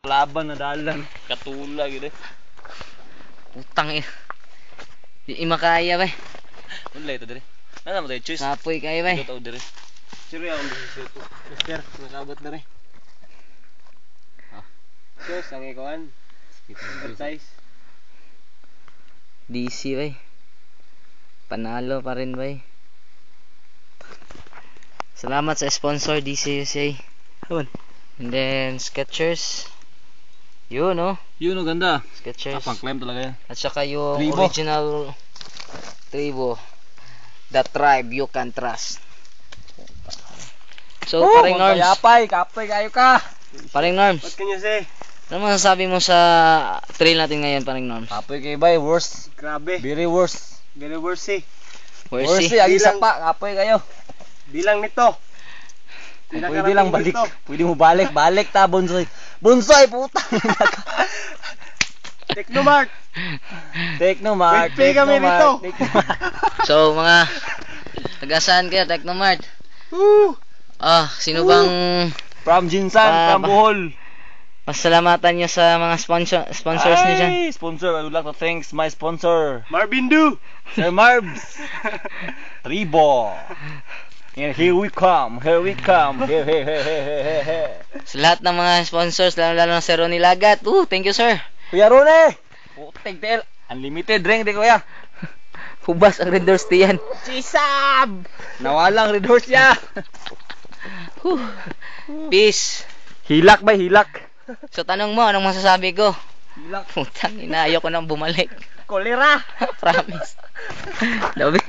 Laban na dalan. Katula gitu. Utang eh. Di makaya ba? Wala ito dire. Nana mo tayo choice. Kapoy kaya ba? Ito tao dire. Sino yung bisisyo ko? Mister, nakabot na rin. Choice, ang ikawan. Advertise. DC ba? Panalo pa rin ba? Salamat sa sponsor DC USA. Awan. And then Skechers. Yun no? Yun o ganda. Skechers. Pang climb talaga yan. At saka yung Tribo. original Tribo. The tribe you can trust. So, paring Norms. Kapoy kayo ka. Paring Norms. What can you say? Ano masasabi mo sa trail natin ngayon, paring Norms? Kapoy kayo ba? Worst. Grabe. Very worst. Very worst eh. Worst Worst eh. Ang isa pa. Kapoy kayo. Bilang nito. Kung pwede lang balik. Pwede mo balik. Balik ta, Bonsoy. Bonsoy, puta. Technomart. Technomart. Wait, kami rito. So, mga taga-saan kayo, Technomart? Woo! Sino bang From Jinsan, from Bohol. pasalamatan nyo sa mga sponsors nyo dyan? Ay, sponsor. I would like to thanks my sponsor. Marvin Du. Sir Marbs. Tribo. And here we come. Here we come. Here. Sa lahat ng mga sponsors, lalo na si Ronnie Lagat. Thank you, sir. Kuya Rone. Putik del. Unlimited drink di kuya. Hubas ang Red Doors diyan. Chisab. Nawalang red horse ya. Peace. Hilak ba hilak? So, tanong mo, anong masasabi ko? Hilak. Putang ina, ayoko nang bumalik. Kolera. Promise. Labi.